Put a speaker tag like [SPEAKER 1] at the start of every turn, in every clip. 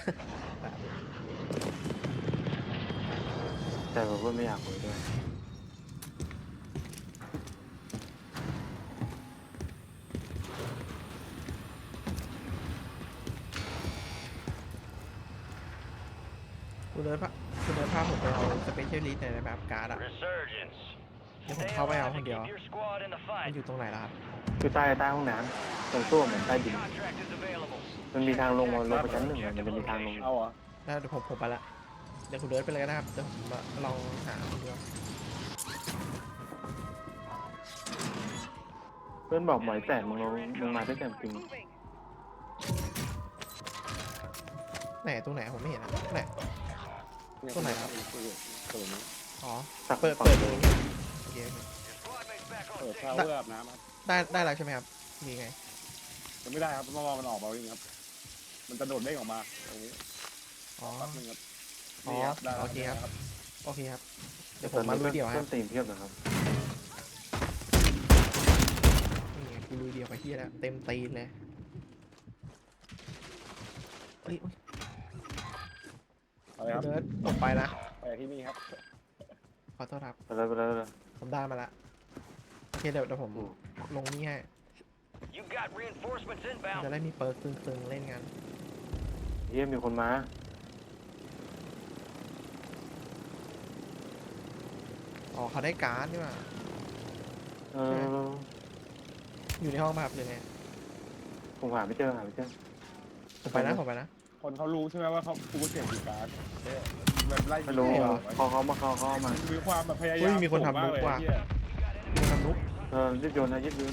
[SPEAKER 1] แต่ผมก็ไม่อยากคุยด้วย
[SPEAKER 2] คุณเดินพาคุณเดินพาผมไปเอาสเปเชียลิสต์ในแบบการ์ดอะเดี๋ยวผมเข้าไปเอาคนเดียวมันอยู่ตรงไหนล่ะครับ
[SPEAKER 1] คือใต้ห้องน้ำตรงตู้เหมือนใต้ดินมันมีทางลงมาลงไปชั้นหนึ่งอะมันจะมีทางลง
[SPEAKER 3] เอาเหรอ
[SPEAKER 2] ได้เดี๋ยวผมไปละเดี๋ยวคุณเดินไปเลยนะครับเดี๋ยวผมลองหาคนเดียว
[SPEAKER 1] เพื่อนบอกหมอยแตกมึงมาด้วยกันจริง
[SPEAKER 2] ไหนตรงไหนผมไม่เห็นอะไหน ตัวไหนครับ
[SPEAKER 3] ตัวนี้
[SPEAKER 2] อ๋อ
[SPEAKER 1] สัก
[SPEAKER 2] เปิด
[SPEAKER 1] ฝั่ง
[SPEAKER 2] เปิดดูโอเคโอเค
[SPEAKER 3] เปิดเข้าเพื่ออาบน้ำครับ
[SPEAKER 2] ได้แล้วใช่ไหมครับมีไง
[SPEAKER 3] มันไม่ได้ครับเมื่อวานมันออกมาวิ่งครับ มันจะโดดเด้งออกมาตรงนี้
[SPEAKER 2] อ๋อ
[SPEAKER 3] แป๊บนึงครับ
[SPEAKER 2] อ๋อ
[SPEAKER 3] นี่ครับได้แล้ว
[SPEAKER 2] โอเคครับ
[SPEAKER 3] ได้แล้ว
[SPEAKER 2] โอเคครับเดี๋ยวผมมาลุยเดี่ยวค
[SPEAKER 1] เพื่
[SPEAKER 2] รั
[SPEAKER 1] อบ นตีนเทียบนะครับ
[SPEAKER 2] นี่ไงกูลุยเดี่ยวไปที่แล้วเต็มตีนเลยเฮ้ย
[SPEAKER 3] อะไรครับ
[SPEAKER 2] เดินตกไปนะ
[SPEAKER 3] ไปที่นี่ครับ
[SPEAKER 2] ขอโทษครับ
[SPEAKER 1] ไปเลยไปเลยไปเลย
[SPEAKER 2] ผมได้มาละโอเคเดี๋ยวผมลงนี่ให้จะได้มีเปิร์กตึงๆเล่นกัน
[SPEAKER 1] เฮียมีคนมา
[SPEAKER 2] อ๋อเขาได้การ์ดนี่หว่า
[SPEAKER 1] เออ
[SPEAKER 2] อยู่ในห้องมาครับหรือไง
[SPEAKER 1] ผมหาไม่เจอหาไม่เจอ
[SPEAKER 2] ผมไปนะผมไปนะ
[SPEAKER 3] คนเขารู้ใช่ไหมว่าเขากูเสียงอยู่การ์ดแบบไล่
[SPEAKER 1] ไม่รู้
[SPEAKER 2] เหรอ
[SPEAKER 1] เขามาเขามา
[SPEAKER 3] มีความแบบพยายาม
[SPEAKER 2] เฮ้ยมีคนทำ
[SPEAKER 3] สูงาก
[SPEAKER 2] มุกว่ะ
[SPEAKER 3] เลยเหี้ย
[SPEAKER 2] มีทำลุก
[SPEAKER 1] ยึดโยนนะยึดโยน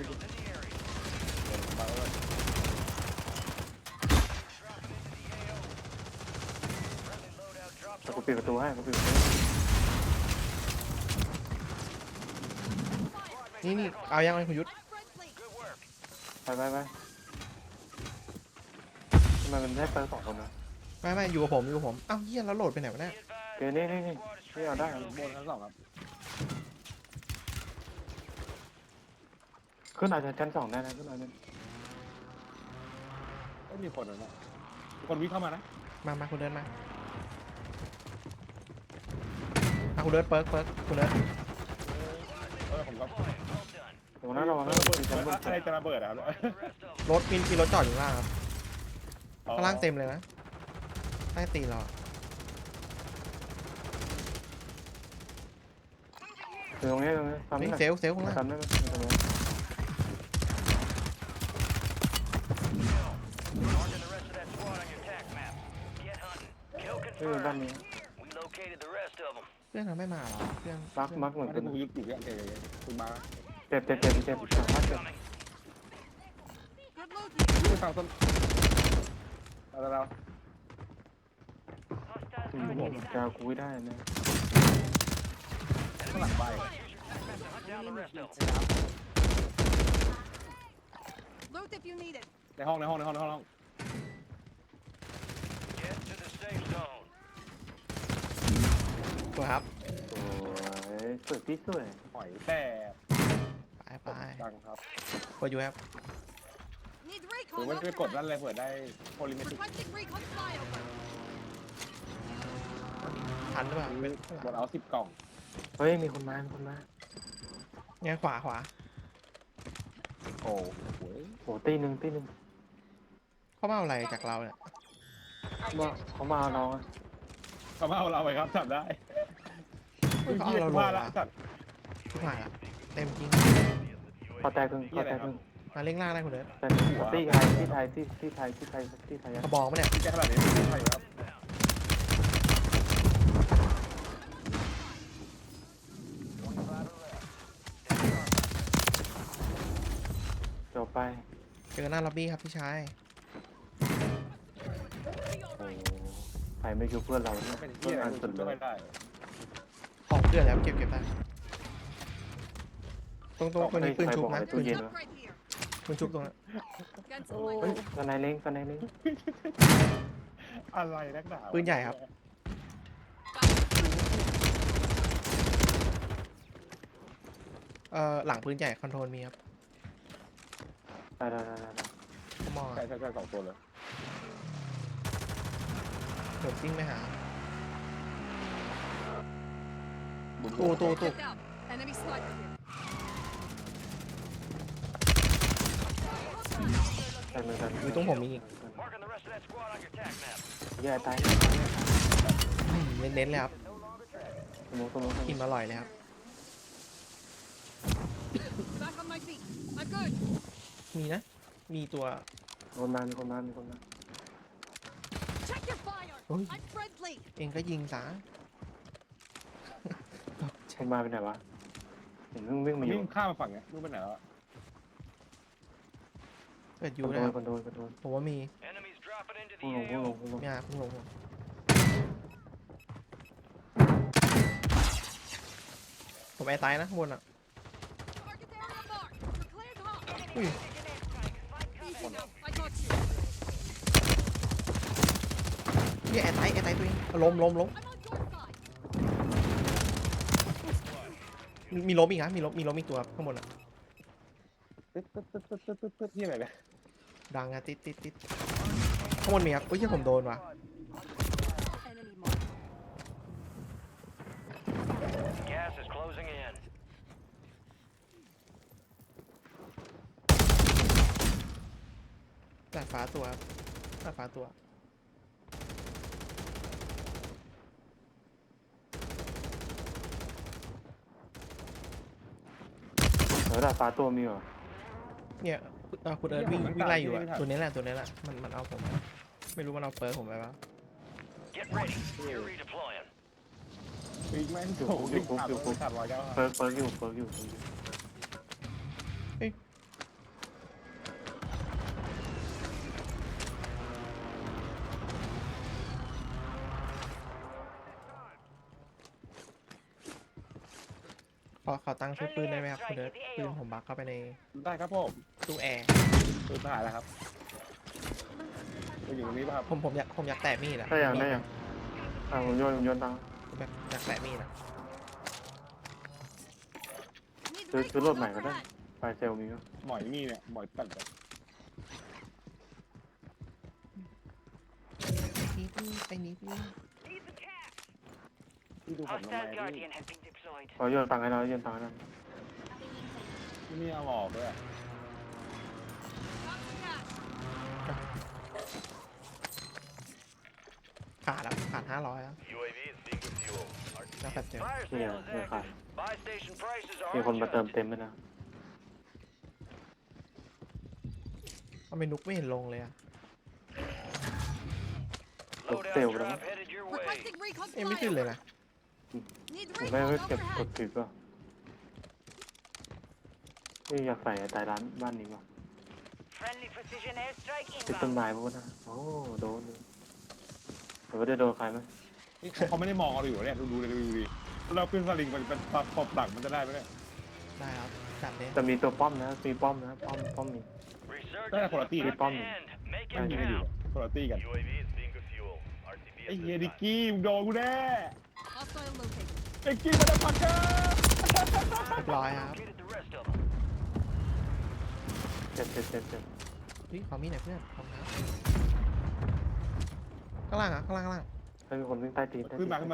[SPEAKER 1] แต่กูปิดประตูให้กูปิดประตู
[SPEAKER 2] นี่เอายังไงคุณยุทธ
[SPEAKER 1] ไปทำไมมันได้เปิดสองคนนะ
[SPEAKER 2] ไม่อยู่กับผมอ้าวเฮียแล้วโหลดไปไหนวะเนี่ย
[SPEAKER 1] เดี๋ยวนี่เอาได้
[SPEAKER 3] บนชั้นสองครับ
[SPEAKER 1] ขึ้นอาจจะชั้นสองได้นะขึ้นอาจจะ
[SPEAKER 3] ไม่มีคนนะมีคนวิ่งเข้ามานะ
[SPEAKER 2] มาคุณเดินมาคุณเดินเปิร์กคุณเดิน
[SPEAKER 3] ผมก็
[SPEAKER 1] ตรงนั้นระวังนะ
[SPEAKER 3] ระเบิด
[SPEAKER 1] ชั้นบน
[SPEAKER 3] อะไรจะระเบิดครับ
[SPEAKER 2] รถมีรถจอดอยู่ข้างล่างครับข้างล่างเต็มเลยนะใต้ตีนเราอะ
[SPEAKER 1] ตรงนี้ทำ
[SPEAKER 2] เฮ้
[SPEAKER 1] ได้
[SPEAKER 2] ยเซลล์ข้างล่าง
[SPEAKER 1] ทำได้ไหมตรงนี้ด้านนี้
[SPEAKER 2] เพื่อนเราไม่มาหรอเพื่อน
[SPEAKER 1] มักเหมือน
[SPEAKER 3] ไม่
[SPEAKER 1] กั
[SPEAKER 3] ได้
[SPEAKER 1] น
[SPEAKER 3] กูยึดอยู่เนี่ยคุณมา
[SPEAKER 1] เจ็บสามารถเจ็บ
[SPEAKER 3] คุณทางต้นเรา
[SPEAKER 1] จะเอากูได้นะ
[SPEAKER 3] ข้างหลังไป
[SPEAKER 4] Loot if you need it.
[SPEAKER 3] ในห้อง
[SPEAKER 2] ตัวครับ
[SPEAKER 1] สวยพี่สวย
[SPEAKER 3] หอยแต่
[SPEAKER 2] ไป
[SPEAKER 3] จังครับ
[SPEAKER 2] กดอยู่ครับ
[SPEAKER 4] Need
[SPEAKER 3] หรือ
[SPEAKER 4] recon.
[SPEAKER 3] ว่าจะไปกดนั่นเลยเผื่อได้โพลิเมติก
[SPEAKER 4] Requesting recon flyover.
[SPEAKER 2] ทันหรือเปล่าเป็น
[SPEAKER 3] หมดเอา10 กล่อง
[SPEAKER 1] เฮ้ยมีคนมา
[SPEAKER 2] เนี่ยขวา
[SPEAKER 3] โอ้โห
[SPEAKER 1] โอ้ตีหนึ่ง
[SPEAKER 2] เขามาเอาอะไรจากเราเนี่ย
[SPEAKER 1] ว่าเขามาเอาน้อง
[SPEAKER 3] เขามาเอาเราไปครับจับได้
[SPEAKER 2] เขาเอาเราล
[SPEAKER 3] ว่าง ละ
[SPEAKER 2] มา
[SPEAKER 3] จัด
[SPEAKER 2] ทุกหายละเต็มจริง
[SPEAKER 1] พอแตกครึ่ง
[SPEAKER 2] มาเล่งล่างได้คุณเดิน
[SPEAKER 1] แต่ที่ไทย
[SPEAKER 2] กระบองปะเนี่ย
[SPEAKER 3] ที่แค่ขนาดนี้ไม่ใช่ครับ
[SPEAKER 1] จบไป
[SPEAKER 2] เจอหน้าล็อบบี้ครับพี่ชาย
[SPEAKER 1] โอ้ใครไม่ช่วยเพื่อนเราเนี่ย
[SPEAKER 3] เป็น
[SPEAKER 1] เพื่
[SPEAKER 3] ที่
[SPEAKER 1] อน
[SPEAKER 3] อะไร
[SPEAKER 1] อันสุ
[SPEAKER 3] คุ
[SPEAKER 1] ด
[SPEAKER 3] ณ
[SPEAKER 1] เล
[SPEAKER 3] ก็ไม่
[SPEAKER 1] ย
[SPEAKER 3] ได้
[SPEAKER 2] ของเพื่อนแล้วเก็บได้ตรงคนนี้ปืนชุบนะ
[SPEAKER 1] ตู้เย็น
[SPEAKER 4] Jump right here.
[SPEAKER 2] ปืนชุบตรงนั้น
[SPEAKER 4] Guns in
[SPEAKER 1] เฮ้ย
[SPEAKER 4] my
[SPEAKER 1] กันไหนเล้ง
[SPEAKER 3] อะไรนักหนา
[SPEAKER 2] ปืนใหญ่ครับ หลังปืนใหญ่คอนโทรลมีครับ
[SPEAKER 1] ได้
[SPEAKER 2] ขมอ
[SPEAKER 3] ใช่2 ตัวเลย
[SPEAKER 2] ดซิ่งไปหา
[SPEAKER 3] บุญ
[SPEAKER 2] ตู้
[SPEAKER 4] Check out. Enemy sniper here.
[SPEAKER 1] แต่เหมือนกัน
[SPEAKER 2] อยู่ตรงผมมีอีก
[SPEAKER 1] แย่ตาย
[SPEAKER 2] เน้นๆเลยครับ
[SPEAKER 1] สมอง
[SPEAKER 2] กินอร่อยเลยครับ
[SPEAKER 4] Back on my feet. I'm good.
[SPEAKER 2] มีนะ มีตัว
[SPEAKER 1] คนมามีคนมา
[SPEAKER 4] Check your fire.
[SPEAKER 2] Ôi.
[SPEAKER 4] I'm friendly.
[SPEAKER 2] เองก็ยิงซะ
[SPEAKER 1] คนมาเป็นไหนวะเห็นวิ่ง
[SPEAKER 3] มั
[SPEAKER 1] มาน อยู่
[SPEAKER 3] วิ่งข้ามมาฝั่งเนี้ยรู้ไปไหนแล้วอะ
[SPEAKER 2] เปิด
[SPEAKER 1] ค
[SPEAKER 2] ยู
[SPEAKER 1] อนโด
[SPEAKER 2] นะคน รับ
[SPEAKER 1] คอนโด
[SPEAKER 2] ผมว่ามี
[SPEAKER 1] พุ่งลง
[SPEAKER 2] มีอาเพิ่งลง ผมไอ้ตายนะข้างบนอ่ะ
[SPEAKER 4] Target area marked. You're cleared hot.
[SPEAKER 2] อุ้ย
[SPEAKER 4] Easy now. I got you.
[SPEAKER 2] เนี่ยไอ้ตายตัวเองล้ม
[SPEAKER 4] I'm on your side.
[SPEAKER 2] มีล้มอีกนะมีล้มอีกตัวข้างบนอ่ะ
[SPEAKER 3] ตึ๊ดที่อะไรเนี่ย
[SPEAKER 2] ดังอะติดข้างบนมีครับอุ้ยที่ผมโดนว่ะ
[SPEAKER 4] Enemy marked.
[SPEAKER 5] Gas is closing in.
[SPEAKER 2] ดาดฟ้าตัวดาดฟ้าตัว
[SPEAKER 1] ดาดฟ้าตัวมีเหรอ
[SPEAKER 2] เนี่ยคุณเอิร์ธวิ่งไล่อยู่อะตัวนี้แหละมันเอาผม ไม่รู้มันเอาเปิร์ผมไปปะ
[SPEAKER 5] Get ready. You're redeploying.
[SPEAKER 3] วิ่งแม่งโผล่วิ่งผ่านรถขาดรอยแล้วอะ
[SPEAKER 1] เปิร์กอยู่
[SPEAKER 2] ขอตั้งชุดปืนได้ไหมครับคุณเอิร์ธปืนผมบักเข้าไปใน
[SPEAKER 3] ได้ครับผม
[SPEAKER 2] ตู้แอร์
[SPEAKER 3] ปืนทหารแล้วครับอยู่ตรงนี้ป่ะครับ
[SPEAKER 2] ผมอยากแตะมีดอะ
[SPEAKER 1] ได้ยังผมโยนตัง
[SPEAKER 2] ผมแบบอยากแตะมีดอะ
[SPEAKER 4] Need
[SPEAKER 1] Cứ
[SPEAKER 4] recon
[SPEAKER 1] lột mày vào đây.
[SPEAKER 4] overhead.
[SPEAKER 1] ไฟเซลมีก็
[SPEAKER 3] หมอยมีเนี่ยหมอยตัดแบบ
[SPEAKER 2] ไปนิดนึง
[SPEAKER 3] ที่ดูผมทำไม
[SPEAKER 5] Hostile
[SPEAKER 3] นี่
[SPEAKER 5] Guardian has been deployed.
[SPEAKER 1] ขอโยนตังให้เราโยนตังให้เรา
[SPEAKER 3] ที่นี่เอาออกด้วยอะ
[SPEAKER 4] Got the gas.
[SPEAKER 2] ขาดแล้วขาด500แล้ว
[SPEAKER 5] UAV is being refueled.
[SPEAKER 2] แล้วแบบเดียว
[SPEAKER 5] Fire
[SPEAKER 1] เนี่ย
[SPEAKER 5] sale is
[SPEAKER 1] เนี่ยขาด
[SPEAKER 5] active. Buy station prices
[SPEAKER 1] มี
[SPEAKER 5] are
[SPEAKER 1] คนมาเติม
[SPEAKER 5] adjusted.
[SPEAKER 1] เต็มไปนะ
[SPEAKER 2] ทำไมนุกไม่เห็นลงเลยอะ
[SPEAKER 5] Loadout
[SPEAKER 1] Tiêu
[SPEAKER 5] drop
[SPEAKER 1] lắm.
[SPEAKER 5] headed your way.
[SPEAKER 4] Requesting recon
[SPEAKER 2] เอ้ยไม่ขึ้นเลย
[SPEAKER 4] flyover.
[SPEAKER 2] นะ
[SPEAKER 4] Need
[SPEAKER 1] ผมไม่
[SPEAKER 4] recon
[SPEAKER 1] เก็บก
[SPEAKER 4] overhead.
[SPEAKER 1] ดถือก็อยากใส่ตายร้านบ้านนี้ว่ะ
[SPEAKER 5] Friendly precision airstrike
[SPEAKER 1] ติดต้น
[SPEAKER 5] inbound.
[SPEAKER 1] ไม้พวกนั้นโอ้โดนแต่ว่าได้โดนใครไหม
[SPEAKER 3] นี่เขาไม่ได้มองเราอยู่เนี่ยดูเลยดูดิเราขึ้นสลิงมันเป็นปอบดักมันจะได้ไหมเนี่ย
[SPEAKER 2] ได้ครับจัดเลย
[SPEAKER 1] แต่มีตัวป้อมนะมีป้อมนะป้อมมี
[SPEAKER 5] Resurgence
[SPEAKER 3] Đây là
[SPEAKER 5] is
[SPEAKER 3] quality,
[SPEAKER 5] about
[SPEAKER 1] cái
[SPEAKER 5] to
[SPEAKER 1] bom.
[SPEAKER 5] end. Make
[SPEAKER 3] ไม่
[SPEAKER 5] it
[SPEAKER 3] มีกันอยู่
[SPEAKER 5] count.
[SPEAKER 3] คนละตี้กัน
[SPEAKER 5] UAV is being refueled. RTB
[SPEAKER 3] ไอ้เฮียดิกกี้มึงโดนกูแน่
[SPEAKER 4] Hostile located.
[SPEAKER 3] ดิกกี้มาดับพักเกอร์
[SPEAKER 2] เรียบร้อยครับ
[SPEAKER 5] Located the rest of them.
[SPEAKER 1] เจ็บ
[SPEAKER 2] เฮ้ยขอมีดหน่อยเพื่อนขอบคุณครับข้างล่างอะข้างล่าง
[SPEAKER 1] ถ้ามีคนวิ่งใต้ตีน
[SPEAKER 3] ขึ้นมาขึ้น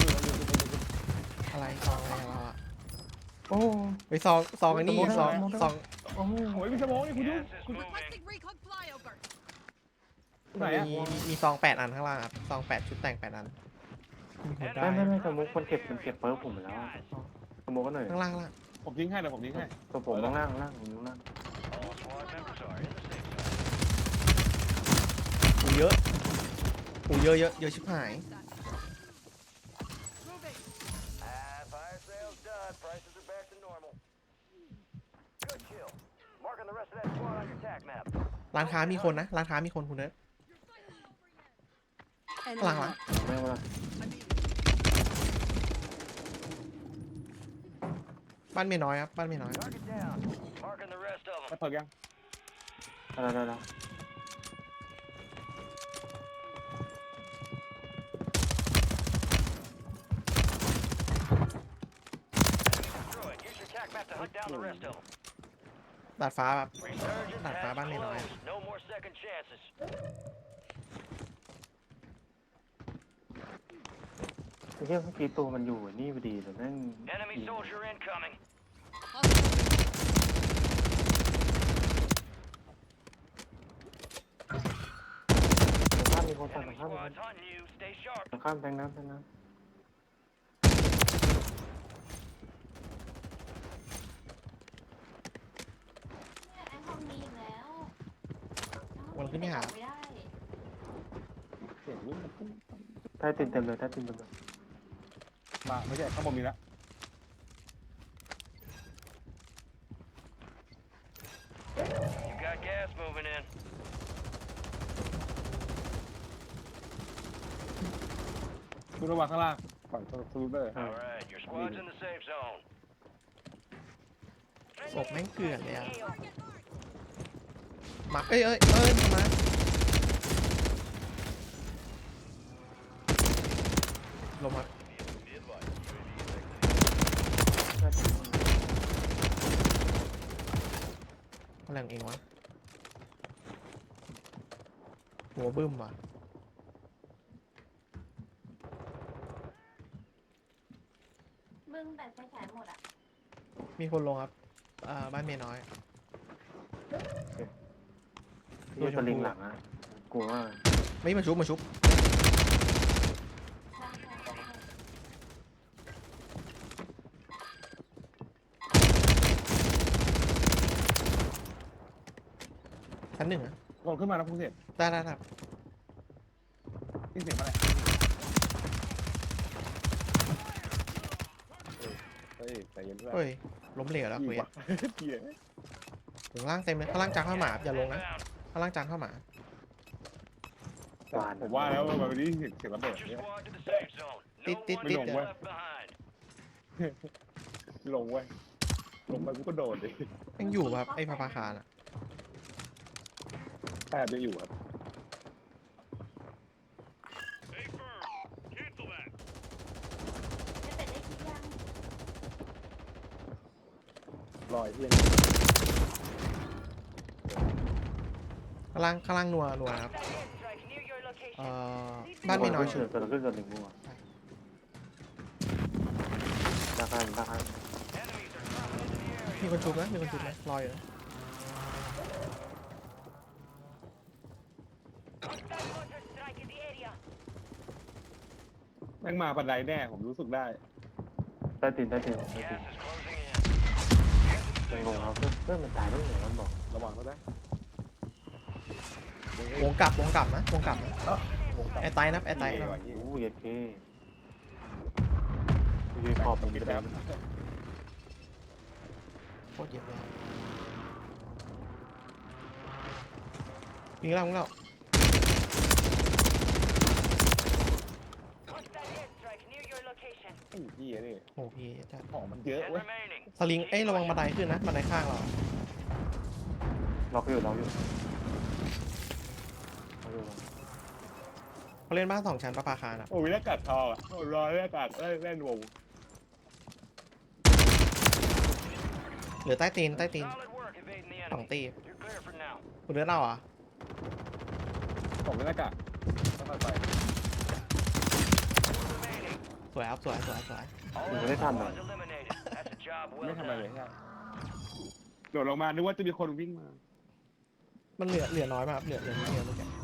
[SPEAKER 2] อะไรซองอะไรของเราอะ
[SPEAKER 1] โอ้
[SPEAKER 2] ไปซองไอ้นี่ซอง
[SPEAKER 1] โอ้
[SPEAKER 3] โอ้ยมีสมองนี่คุณดู
[SPEAKER 5] Gas is moving.
[SPEAKER 4] Requesting recon flyover.
[SPEAKER 3] ไหนอะ
[SPEAKER 2] มีซอง8อันข้างล่างครับซอง8ชุดแต่ง8อันมีคนได้
[SPEAKER 1] ไม่สมุกมันเก็บเปิร์กผมไปแล้วสมุกก็หน่อย
[SPEAKER 2] ข้างล่าง
[SPEAKER 3] ผมทิ้งให้เดี๋ยวผมทิ้งให้
[SPEAKER 1] ตัวผมล่างผมอยู่ล่าง
[SPEAKER 5] All squad members are in the safe zone.
[SPEAKER 2] หูเยอะชิบหาย
[SPEAKER 4] Moving.
[SPEAKER 5] Fire sale's done. Prices are back to normal. Good kill. Marking the rest of that squad on your tac map.
[SPEAKER 2] ร้านค้ามีคนนะร้านค้ามีคนคุณเด้อ
[SPEAKER 4] Enemy
[SPEAKER 2] Lang lang.
[SPEAKER 4] marked.
[SPEAKER 1] ไม่ว่า
[SPEAKER 4] I'm in.
[SPEAKER 2] บ้านเมียน้อยครับบ้านเมียน้อย
[SPEAKER 5] Target down. Marking the rest of
[SPEAKER 3] ไป
[SPEAKER 5] them.
[SPEAKER 3] เปิดยัง
[SPEAKER 1] อะไร
[SPEAKER 5] Destroy it. Use your tac map to hunt down the rest of them.
[SPEAKER 2] ดาดฟ้าแบบ
[SPEAKER 5] Resurgence
[SPEAKER 2] Đặt phá
[SPEAKER 5] has
[SPEAKER 2] ban này rồi.
[SPEAKER 5] closed. No more second chances.
[SPEAKER 1] เฮียเมื่อกี้ตัวมันอยู่นี่พอดีแต่แม่ง
[SPEAKER 5] Enemy soldier incoming.
[SPEAKER 4] Hostile.
[SPEAKER 1] ข้ามมีคนสั่ง
[SPEAKER 5] Enemy
[SPEAKER 1] ข้ามมีคน
[SPEAKER 5] squads hunting you. Stay sharp.
[SPEAKER 1] ข้ามแทงน้ำแทงน้
[SPEAKER 6] ไอ้ห้องนี้อีกแล้ว
[SPEAKER 2] มันขึ้นไม่หา
[SPEAKER 6] ไม่ได้
[SPEAKER 3] เสียงลูก
[SPEAKER 1] ำใต้ตินเต็มเลยใต้ตินเต็มเลย
[SPEAKER 3] มาไม่ใช่ข้างบนมีแล้ว
[SPEAKER 5] You got gas moving in.
[SPEAKER 3] คุณระวังข้างล่างฝั่งสลูเดอร์
[SPEAKER 5] All right, your squad's in the safe zone.
[SPEAKER 2] ศพแม่งเกลื่อนเลยอะ
[SPEAKER 4] Target marked.
[SPEAKER 2] มาเอ้ยมาลงมาอะไรของเองวะหัวบึ้มว่ะ
[SPEAKER 6] มึงแบตไฟฉายหมดอ่ะ
[SPEAKER 2] มีคนลงครับบ้านเมียน้อย
[SPEAKER 1] ที่สลิงหลังอ่ะกลัวว่า
[SPEAKER 2] ไม่มาชุบ
[SPEAKER 6] ใช่ใช่ใช่
[SPEAKER 2] ชั้นหนึ่งอะ
[SPEAKER 3] ก่อนขึ้นมาแล้วคุณเสร็จ
[SPEAKER 2] ได้
[SPEAKER 3] นี่เสียงอะไรเฮ้ยใจเย็นด้วย
[SPEAKER 2] เฮ้ยล้มเหลวแล้วคุย
[SPEAKER 3] ว่ะเหี้ย
[SPEAKER 2] ถึงล่างเต็มเลยข้างล่างจานข้าวหมาอย่าลงนะข้างล่างจานข้าวหมา
[SPEAKER 3] ผมว่าแล้ววันนี้เสียงระเบิด
[SPEAKER 5] Get your
[SPEAKER 3] เนี่ย
[SPEAKER 5] squad to the safe zone. No
[SPEAKER 2] Tít, tít,
[SPEAKER 5] one
[SPEAKER 2] tít.
[SPEAKER 5] is left behind.
[SPEAKER 3] ลงเว้ยลงไปกูก็โดดเลย
[SPEAKER 2] ยังอยู่ครับไอ้พาคารอ่ะ
[SPEAKER 3] แทบจะอยู่ครับ
[SPEAKER 6] จะเป็ดได้คิดยัง
[SPEAKER 3] ลอยเพี้ยน
[SPEAKER 2] ข้างล่างนัวครับ
[SPEAKER 5] Airstrike near your location.
[SPEAKER 2] บ้านเมียน้อย
[SPEAKER 1] เฉ
[SPEAKER 2] ชุ
[SPEAKER 1] ย
[SPEAKER 2] บ
[SPEAKER 1] ตัวละขึ้นตัวหนึ่งมั่วตาข้ามตาข้าม
[SPEAKER 5] Enemies are dropping into the area.
[SPEAKER 2] มีคนชุบนะรออยู่นะ
[SPEAKER 5] Hostile mortar strike in the area.
[SPEAKER 3] แม่งมาบันไดแน่ผมรู้สึกได้
[SPEAKER 1] ใต้ตินใต้ติน
[SPEAKER 5] Gas is closing in.
[SPEAKER 1] มันงงครับเพื่อนมันตายได้ไงมันบอก
[SPEAKER 3] ระวังเขาได้
[SPEAKER 2] วงกลับนะแอร์ไตนะแอร์ไต
[SPEAKER 3] ระ
[SPEAKER 2] นะ
[SPEAKER 3] วัง
[SPEAKER 1] โอ้ยเท่ยืนขอบมัน
[SPEAKER 3] คิด
[SPEAKER 1] จะ
[SPEAKER 3] แล้
[SPEAKER 1] ได้
[SPEAKER 3] ว
[SPEAKER 2] โคตรเยอะเลยยิงแล้ว
[SPEAKER 5] Hostile airstrike near your location.
[SPEAKER 3] ไอ้เหี้ยนี่
[SPEAKER 2] โอ้พี่จะ
[SPEAKER 3] ของมันเยอะ
[SPEAKER 5] Ten
[SPEAKER 3] เว้ย
[SPEAKER 5] remaining.
[SPEAKER 2] สลิงระวังบันไดขึ้นนะบันไดข้างเรา
[SPEAKER 1] ล็อกอยู่
[SPEAKER 2] เขาเล่นบ้าน2 ชั้นประภาคารอ่ะ
[SPEAKER 3] โอ้ยหน้ากากทองอ่ะโอ้ยรอยหน้ากากเล่นวง
[SPEAKER 2] เหลือใต้ตีน
[SPEAKER 5] Solid work evading the
[SPEAKER 2] สอง
[SPEAKER 5] enemy.
[SPEAKER 2] ตี
[SPEAKER 5] You're clear for now.
[SPEAKER 2] คุณเลือดเราอ่ะ
[SPEAKER 3] ของหน้ากากค่อยๆไป
[SPEAKER 5] Remaining.
[SPEAKER 2] สวยครับสวย
[SPEAKER 5] All
[SPEAKER 1] Đừng có
[SPEAKER 5] enemy
[SPEAKER 1] lấy thăm
[SPEAKER 5] squads eliminated. That's a job
[SPEAKER 3] ไม่
[SPEAKER 5] well
[SPEAKER 3] ทำอะไรเลย
[SPEAKER 5] done.
[SPEAKER 3] ใช่โดดลงมานึกว่าจะมีคนวิ่งมา
[SPEAKER 2] มันเหลือน้อยมากครับเหลือนิดเดียวเมื่อกี้